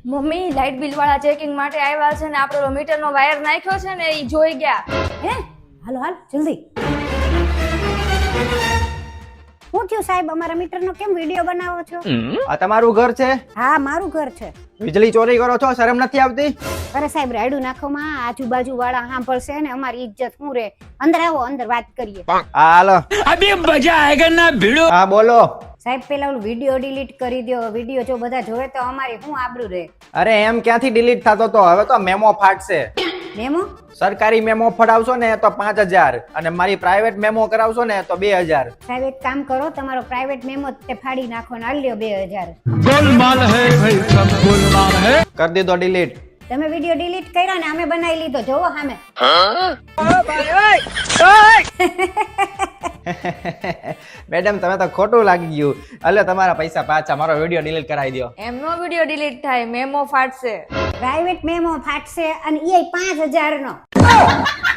Mummy light bill વાળા checking માટે આવ્યા છે ને આપણો મીટરનો વાયર નાખ્યો છે ને એ જોઈ ગયા. હે હાલો હાલ જલ્દી. શું થયું સાહેબ, અમારા મીટરનો કેમ વિડિયો બનાવો છો? આ તમારું ઘર છે? હા મારું ઘર છે. વીજળી ચોરી કરો છો, શરમ નથી આવતી? અરે સાહેબ રાયડું નાખોમાં આજુબાજુ વાળા સાંભળશે ને અમારી ઇજ્જત શું રે. અંદર આવો, અંદર વાત કરીએ. હા હાલો. अभी मजा आएगा ना भिड़ो. હા બોલો. સાહેબ પેલા ઓલું વિડિયો ડિલીટ કરી દો. વિડિયો જો બધા જોવે તો અમારી શું આબરૂ રહે. અરે એમ ક્યાંથી ડિલીટ થતો તો, હવે તો મેમો ફાટશે. મેમો? સરકારી મેમો ફડાવશો ને તો 5000 અને મારી પ્રાઇવેટ મેમો કરાવશો ને તો 2000. સાહેબ એક કામ કરો, તમારો પ્રાઇવેટ મેમો તે ફાડી નાખો ને આલ્યો 2000. गोलमाल है भाई, सब गोलमाल है. કરી દીધો ડિલીટ. તમે વિડિયો ડિલીટ કર્યો ને અમે બનાવી લીધો, જોવો સામે. મેડમ તમે તો ખોટું લાગી ગયું. એટલે તમારા પૈસા પાછા, મારો વિડીયો ડિલીટ કરાવી દો. એમનો વિડીયો ડિલીટ થાય, મેમો ફાટશે. પ્રાઇવેટ મેમો ફાટશે અને એ 5000 નો.